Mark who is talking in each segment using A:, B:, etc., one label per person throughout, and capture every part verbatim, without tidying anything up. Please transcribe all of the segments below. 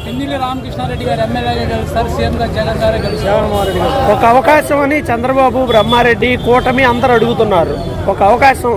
A: పిన్నెల్లి రామకృష్ణారెడ్డి గారు ఎమ్మెల్యేగా గెలుస్తారు, సీఎం గారు జగన్ గారే గెలుస్తారు.
B: జగన్మోహన్ రెడ్డి గారు ఒక అవకాశం అని చంద్రబాబు, బ్రహ్మారెడ్డి, కూటమి అందరూ అడుగుతున్నారు. ఒక అవకాశం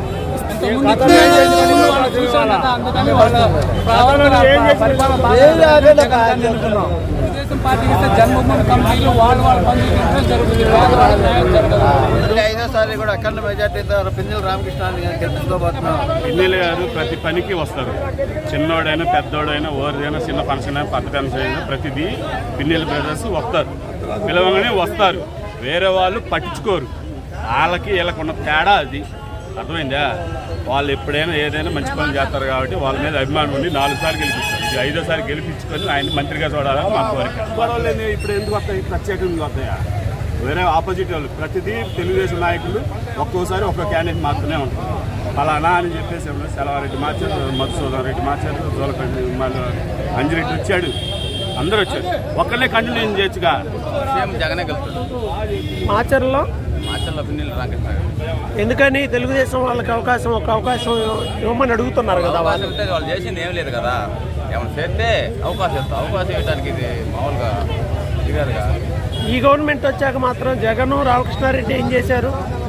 A: తెలుగుదేశం పార్టీకి ఇస్తే జన్మభూమి కమిటీలు వాళ్ళు వాళ్ళ పనులు జరుగుతుంది.
C: ఐదోసారి కూడా అఖండ మెజార్టీతో పిన్నెల్లి రామకృష్ణారెడ్డి గారు గెలుచుకోబోతున్నాం.
D: పిన్నెల్లి గారు ప్రతి పనికి వస్తారు. చిన్నోడైనా పెద్దోడైనా ఓరిదైనా చిన్న ఫంక్షన్ అయినా పెద్ద ఫంక్షన్ అయినా ప్రతిదీ పిన్నెల్లి బ్రదర్స్ వస్తారు. పిలవగానే వస్తారు. వేరే వాళ్ళు పట్టించుకోరు. వాళ్ళకి వీళ్ళకు ఉన్న తేడా అది. అర్థమైందా? వాళ్ళు ఎప్పుడైనా ఏదైనా మంచి పని చేస్తారు కాబట్టి వాళ్ళ మీద అభిమానం ఉండి నాలుగు సార్లు గెలిపిస్తారు. ఇది ఐదోసారి గెలిపించుకొని ఆయన మంత్రిగా చూడాలని మా కోరిక. గొడవలు ఇప్పుడు ఎందుకు వస్తాయి? ప్రత్యేకంగా వస్తాయా? వేరే ఆపోజిట్ వాళ్ళు ప్రతిదీ తెలుగుదేశం నాయకులు ఒక్కోసారి ఒక్కో క్యాండిడేట్ మాత్రమే ఉంటారు. ఫలానా అని చెప్పేసి సెలవారెడ్డి మార్చారు, మధుసూదన్ రెడ్డి మార్చారు, జోలకండి మళ్ళీ అంజిరెడ్డి వచ్చాడు, అందరూ వచ్చారు. ఒక్కళ్ళే కంటిన్యూ చేయొచ్చుగా.
C: సీఎం జగనే గెలుస్తాడు.
B: మాచర్లో
C: మాచర్లో పిన్నెల్లి రామకృష్ణ
B: ఎందుకని తెలుగుదేశం వాళ్ళకి అవకాశం ఒక అవకాశం ఇవ్వమని అడుగుతున్నారు కదా.
C: వాళ్ళు వాళ్ళు చేసింది ఏం లేదు కదా. ఏమైనా చేస్తే అవకాశం ఇస్తాం. అవకాశం ఇవ్వడానికి ఇది మామూలుగా దిగారుగా.
B: ఈ గవర్నమెంట్ వచ్చాక మాత్రం జగన్, రామకృష్ణారెడ్డి ఏం చేశారు?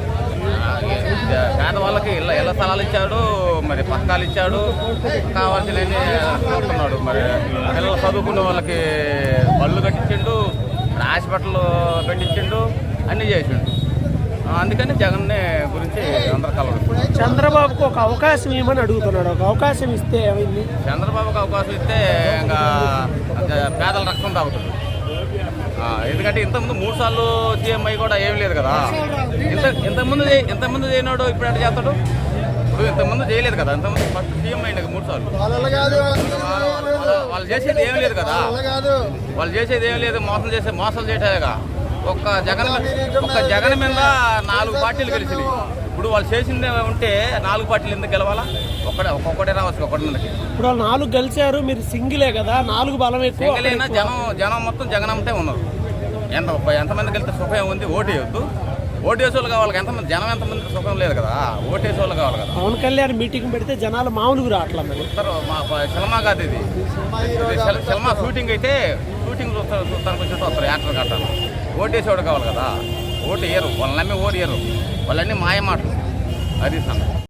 C: పేద వాళ్ళకి ఇళ్ళ ఇళ్ళ స్థలాలు ఇచ్చాడు, మరి పథకాలు ఇచ్చాడు, కావాల్సినవి చూస్తున్నాడు. మరి పిల్లలు చదువుకునే వాళ్ళకి బళ్ళు కట్టించిండు, హాస్పిటల్ పెట్టించిండు, అన్నీ చేసిండు. అందుకని జగన్ గురించి అందరు కలవరు.
B: చంద్రబాబుకు ఒక అవకాశం ఇవ్వమని అడుగుతున్నాడు. ఒక అవకాశం ఇస్తే ఏమైంది?
C: చంద్రబాబుకి అవకాశం ఇస్తే ఇంకా పేదల రక్తం తాగుతుంది. ఎందుకంటే ఇంతకుముందు మూడు సార్లు సీఎం అయ్యి కూడా ఏం లేదు కదా. ఇంత ఇంతకుముందు ఇంతకుముందు చేయనాడు, ఇప్పుడు ఎట్లా చేస్తాడు? ఇప్పుడు ఇంతకుముందు చేయలేదు కదా. ఇంతకుముందు ఫస్ట్ సీఎం అయినాక మూడు సార్లు వాళ్ళు చేసేది ఏం లేదు కదా. వాళ్ళు చేసేది ఏం లేదు. మోసం చేసే మోసాలు చేసేగా. ఒక్క జగన్ ఒక్క జగన్ మీద నాలుగు పార్టీలు గెలిచినాయి. ఇప్పుడు వాళ్ళు చేసింది ఉంటే నాలుగు పార్టీలు ఎందుకు గెలవాలా? ఒక్కడే ఒక్కొక్కటే రావచ్చు. ఒక్కటి మందికి
B: ఇప్పుడు నాలుగు గెలిచారు, మీరు సింగిలే కదా. నాలుగు బలం ఎక్కువ.
C: సింగిల్ అయినా జనం జనం మొత్తం జగన్ అమ్మటే ఉన్నారు. ఎంత ఎంతమందికి వెళ్తే సుఖం ఉంది? ఓటు వేయొద్దు. ఓటు వేసే వాళ్ళు కావాలి. ఎంతమంది జనం ఎంతమందికి సుఖం లేదు కదా. ఓటు వేసే వాళ్ళు కావాలి కదా.
B: పవన్ కళ్యాణ్ మీటింగ్ పెడితే జనాలు మామూలుగా రావట్లా. మరి
C: మా సినిమా కాదు ఇది. సినిమా షూటింగ్ అయితే షూటింగ్ చూస్తారు, చూస్తానికి వచ్చి వస్తారు యాక్టర్ కట్టాలి. ఓటు వేసేవాడు కావాలి కదా. ఓటు వేయరు. వాళ్ళని నమ్మి ఓటు వేయరు. వాళ్ళన్నీ మాయ మాటలు. అది సంగతి.